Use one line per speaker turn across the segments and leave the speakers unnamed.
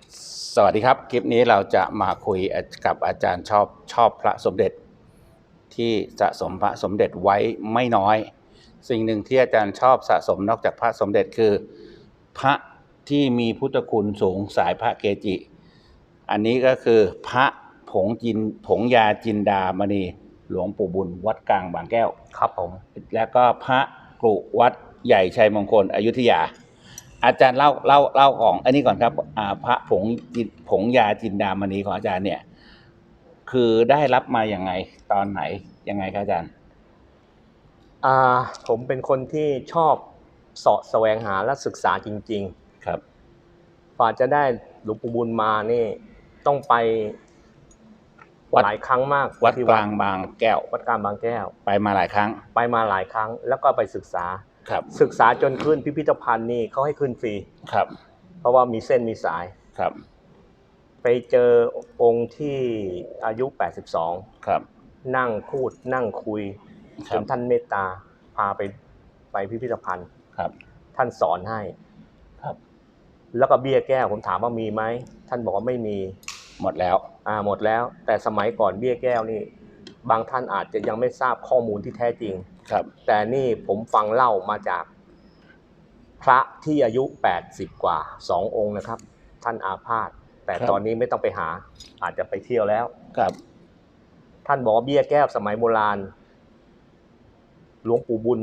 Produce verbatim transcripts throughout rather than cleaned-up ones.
สวัสดีครับคลิปนี้เราจะมาคุยกับอาจารย์ชอบชอบพระสมเด็จที่สะสมพระสมเด็จไว้ไม่น้อยสิ่งหนึ่งที่อาจารย์ชอบสะสมนอกจากพระสมเด็จคือพระที่มีพุทธคุณสูงสายพระเกจิอันนี้ก็คือพระผงจินผงยาจินดามณีหลวงปู่บุญวัดกลางบางแก้ว
ครับผม
แล้วก็พระกรุวัดใหญ่ชัยมงคลอยุธยาอาจารย์เล่าเล่าเล่าของอันนี้ก่อนครับอ่าพระผงผงยาจินดามณีของอาจารย์เนี่ยคือได้รับมาอย่างไงตอนไหนยังไงครับอาจารย์
อ่าผมเป็นคนที่ชอบเสาะแสวงหาและศึกษาจริง
ๆครับ
กว่าจะได้หลวงปู่บุญมานี่ต้องไปหลายครั้งมาก
วัดกลางบางแก้ว
วัดกลางบางแก้ว
ไปมาหลายครั้ง
ไปมาหลายครั้งแล้วก็ไปศึกษา
ครับ
ศึกษาจนขึ้นพิพิธภัณฑ์นี่เขาให้ขึ้นฟรี
ครับ
เพราะว่ามีเส้นมีสาย
ครับ
ไปเจอองค์ที่อายุแปดสิบสอง
ครับ
นั่งพูดนั่งคุยจนท่านเมตตาพาไปไปพิพิธภัณฑ์
ครับ
ท่านสอนให้
ครับ
แล้วก็เบี้ยแก้วผมถามว่ามีไหมท่านบอกว่าไม่มี
หมดแล้ว
อ่าหมดแล้วแต่สมัยก่อนเบี้ยแก้วนี่บางท่านอาจจะยังไม่ทราบข้อมูลที่แท้จริง
ครับ
แต่นี่ผมฟังเล่ามาจากพระที่อายุแปดสิบกว่าสององค์นะครับท่านอาพาธแต่ตอนนี้ไม่ต้องไปหาอาจจะไปเที่ยวแล้ว
ครับ
ท่านบอกว่าเบี้ยแก้วสมัยโบราณหลวงปู่บุญ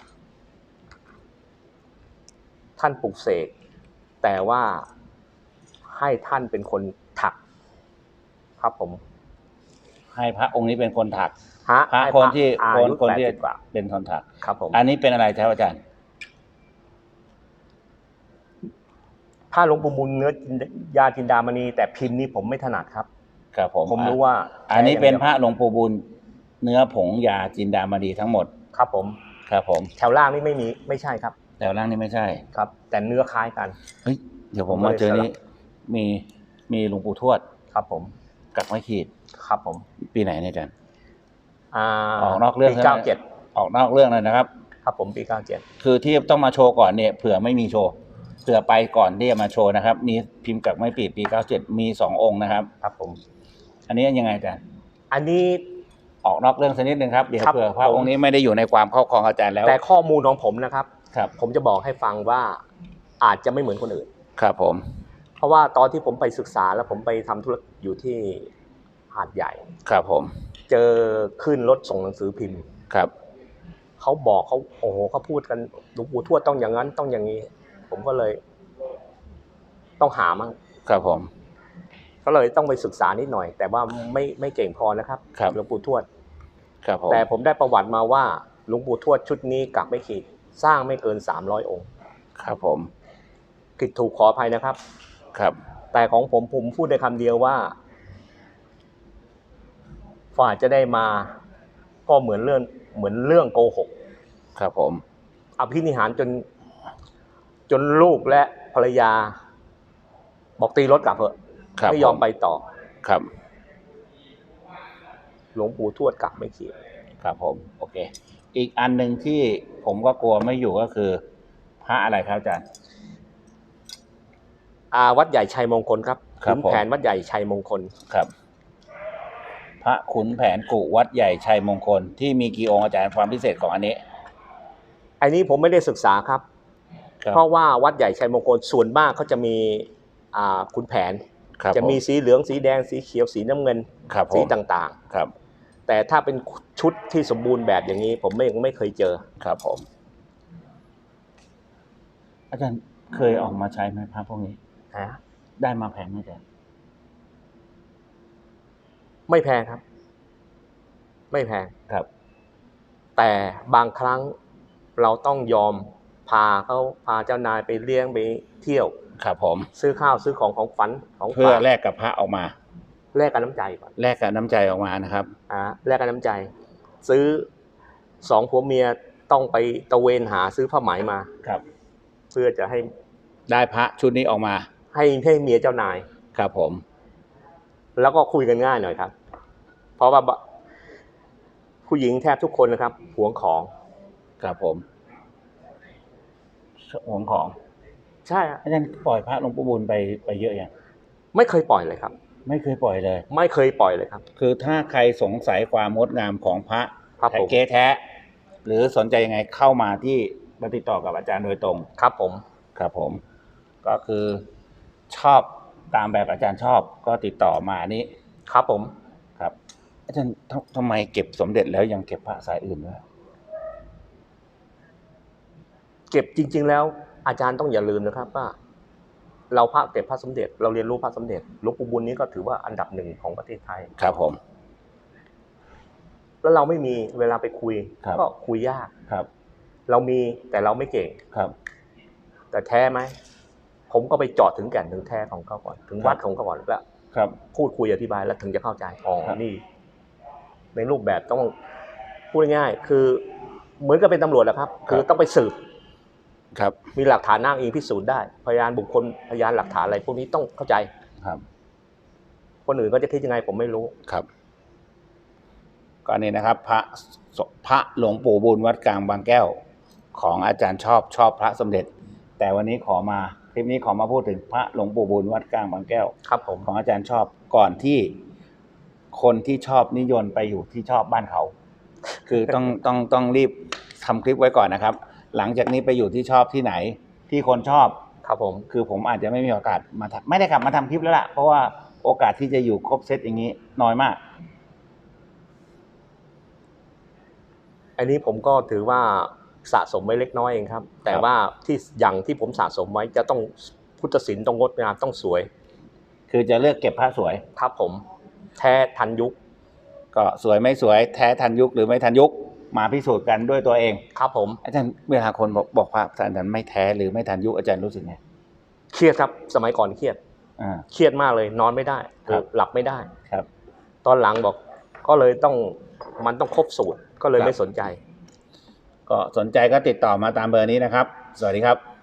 ท่านปลุกเสกแต่ว่าให้ท่านเป็นคนถักครับผม
ให้พระองค์นี้เป็นคนถัก
พระ
คนที่คนคนที่
เป็น
คนถัก
ครับผม
อันนี้เป็นอะไรครับอาจารย์
ผ้าหลวงปู่บุญเนื้อยาจินดามณีแต่พิมพ์นี้ผมไม่ถนัดครับ
ครับผม
ผมรู้ว่า
อันนี้เป็นพระหลวงปู่บุญเนื้อผงยาจินดามณีทั้งหมด
ครับผม
ครับผม
แถวล่างนี่ไม่มีไม่ใช่ครับ
แถวล่างนี่ไม่ใช่
ครับแต่เนื้อคล้ายกัน
เฮ้ยเดี๋ยวผมมาเจอนี้มีมีหลวงปู่ทวด
ครับผม
กักไม้ขีด
ครับผม
ปีไหนเนี่ยอาจารย์
อ
อกนอกเรื่อง
ปีเก้าเจ็ด
ออกนอกเรื่องเลยนะครับ
ครับผมปีเก้าเจ็ด
คือที่ต้องมาโชว์ก่อนเนี่ยเผื่อไม่มีโชว์เผื่อไปก่อนที่จะมาโชว์นะครับมีพิมพ์กักไม้ปีปีเก้าเจ็ดมีสององค์นะครับ
ครับผม
อันนี้ยังไงอาจารย์
อันนี้
ออกนอกเรื่องสักนิดนึงครับเดี๋ยวเผื่อพระองค์นี้ไม่ได้อยู่ในความครอบครองอาจารย์แล้ว
แต่ข้อมูลของผมนะครับ
ครับ
ผมจะบอกให้ฟังว่าอาจจะไม่เหมือนคนอื่น
ครับผม
เพราะว่าตอนที่ผมไปศึกษาแล้วผมไปทำธุรกิจอยู่ที่หาดใหญ่
ครับผม
เจอขึ้นรถส่งหนังสือพิมพ์
ครับ
เขาบอกเขาโอ้โหเขาพูดกันหลวงปู่ทวดต้องอย่างนั้นต้องอย่างนี้ผมก็เลยต้องหามั่ง
ครับผม
ก็เลยต้องไปศึกษานิดหน่อยแต่ว่าไม่ไม่เก่งพอนะครับหลวงปู่ทวด
ครับผม
แต่ผมได้ประวัติมาว่าหลวงปู่ทวดชุดนี้กักไม่ขีดสร้างไม่เกินสามร้อยองค์
ครับผม
ผิดถูกขออภัยนะครับ
ครับ
แต่ของผมผมพูดได้คำเดียวว่าฝ่าจะได้มาก็เหมือนเรื่องเหมือนเรื่องโกหก
ครับผม
อภินิหารจนจนลูกและภรรยาบอกตีรถกลับเถอะไม่ยอมไปต่อ
ครับ
หลวงปู่ทวดกักไม่ขีด
ครับผมโอเคอีกอันหนึ่งที่ผมก็กลัวไม่อยู่ก็คือพระอะไรครับอาจารย์
อาวัดใหญ่ชัยมงคลครับขุนแผนวัดใหญ่ชัยมงคล
ครับพระขุนแผนกุวัดใหญ่ชัยมงคลที่มีกี่องค์อาจารย์ความพิเศษของอันนี้
อันนี้ผมไม่ได้ศึกษาครับเพราะว่าวัดใหญ่ชัยมงคลส่วนมากเขาจะมีอ่าขุนแผนจะมีสีเหลืองสีแดงสีเขียวสีน้ำเงินสีต่าง
ๆครับ
แต่ถ้าเป็นชุดที่สมบูรณ์แบบอย่างนี้ผมไม่ไม่เคยเจอ
ครับผมอาจารย์เคยออกมาใช้ไหมพระพวกนี้ได้มาแพงไหมอาจารย์
ไม่แพงครับไม่แพง
ครับ
แต่บางครั้งเราต้องยอมพาเขาพาเจ้านายไปเลี้ยงไปเที่ยว
ครับผม
ซื้อข้าวซื้อของของฝันของ
เพื่อแลกกับพระออกมา
แลกกับน้ำใจก่อน
แลกกับน้ำใจออกมานะครับ
อ่าแลกกับน้ำใจซื้อสองผัวเมียต้องไปตะเวนหาซื้อผ้าไหมมา
ครับ
เพื่อจะให้
ได้พระชุดนี้ออกมา
ให้ให้เมียเจ้านาย
ครับผม
แล้วก็คุยกันง่ายหน่อยครับเพราะว่าผู้หญิงแทบทุกคนนะครับหวงของ
ครับผมหวงของ
ใช่
อาจารย์ปล่อยพระหลวงปู่บุญไปไปเยอะอย่าง
ไม่เคยปล่อยเลยครับ
ไม่เคยปล่อยเลย
ไม่เคยปล่อยเลยครับ
คือถ้าใครสงสัยความงดงามของพระแท้เก๊แท้หรือสนใจยังไงเข้ามาที่มาติดต่อกับอาจารย์โดยตรง
ครับผม
ครับผมก็คือชอบตามแบบอาจารย์ชอบก็ติดต่อมานี้
ครับผม
ครับอาจารย์ทำไมเก็บสมเด็จแล้วยังเก็บพระสายอื่นด้วย
เก็บจริงๆแล้วอาจารย์ต้องอย่าลืมนะครับว่าเราพระเก็บพระสมเด็จเราเรียนรู้พระสมเด็จหลวงปู่บุญนี้ก็ถือว่าอันดับหนึ่งของประเทศไทย
ครับผม
แล้วเราไม่มีเวลาไปคุยก็คุยยาก
ครับ
เรามีแต่เราไม่เก่ง
ครับ
แต่แท้ไหมผมก็ไปเจาะถึงแก่นถึงแท้ของเขาก่อนถึงวัดของเขาก่อนแล้ว
ครับ
พูดคุยอธิบายแล้วถึงจะเข้าใจอ๋อนี่ในรูปแบบต้องพูดง่ายๆคือเหมือนกับเป็นตำรวจแหละครับคือต้องไปสืบ
ครับ
มีหลักฐานอ้างอิงพิสูจน์ได้พยานบุคคลพยานหลักฐานอะไรพวกนี้ต้องเข้าใจ
ครับ
คนอื่นก็จะคิดยังไงผมไม่รู้
ครับก็นี่นะครับพระพระหลวงปู่บุญวัดกลางบางแก้วของอาจารย์ชอบชอบพระสมเด็จแต่วันนี้ขอมาคลิปนี้ขอมาพูดถึงพระหลวงปู่บุญวัดกลางบางแก้ว
ครับผม
ของอาจารย์ชอบก่อนที่คนที่ชอบนิยมไปอยู่ที่ชอบบ้านเขาคือต้องต้องต้องรีบทำคลิปไว้ก่อนนะครับหลังจากนี้ไปอยู่ที่ชอบที่ไหนที่คนชอบ
ครับผม
คือผมอาจจะไม่มีโอกาสมาไม่ได้กลับมาทำคลิปแล้วล่ะเพราะว่าโอกาสที่จะอยู่ครบเซตอย่างนี้น้อยมาก
อันนี้ผมก็ถือว่าสะสมไว้เล็กน้อยเองครับแต่ว่าที่อย่างที่ผมสะสมไว้จะต้องพุทธศิลป์ต้องงดงามต้องสวย
คือจะเลือกเก็บพระสวย
ครับผมแท้ทันยุค
ก็สวยไม่สวยแท้ทันยุคหรือไม่ทันยุคมาพิสูจน์กันด้วยตัวเอง
ครับผม
อาจารย์เวลาคนบอกบอกว่าอาจารย์ไม่แท้หรือไม่ทันยุคอาจารย์รู้สึกไง
เครียดครับสมัยก่อนเครียด
อ่า
เครียดมากเลยนอนไม่ได้หลับไม่ได้
ครับ
ตอนหลังบอกก็เลยต้องมันต้องครบสูตรก็เลยไม่สนใจ
ก็สนใจก็ติดต่อมาตามเบอร์นี้นะครับสวัสดีครับ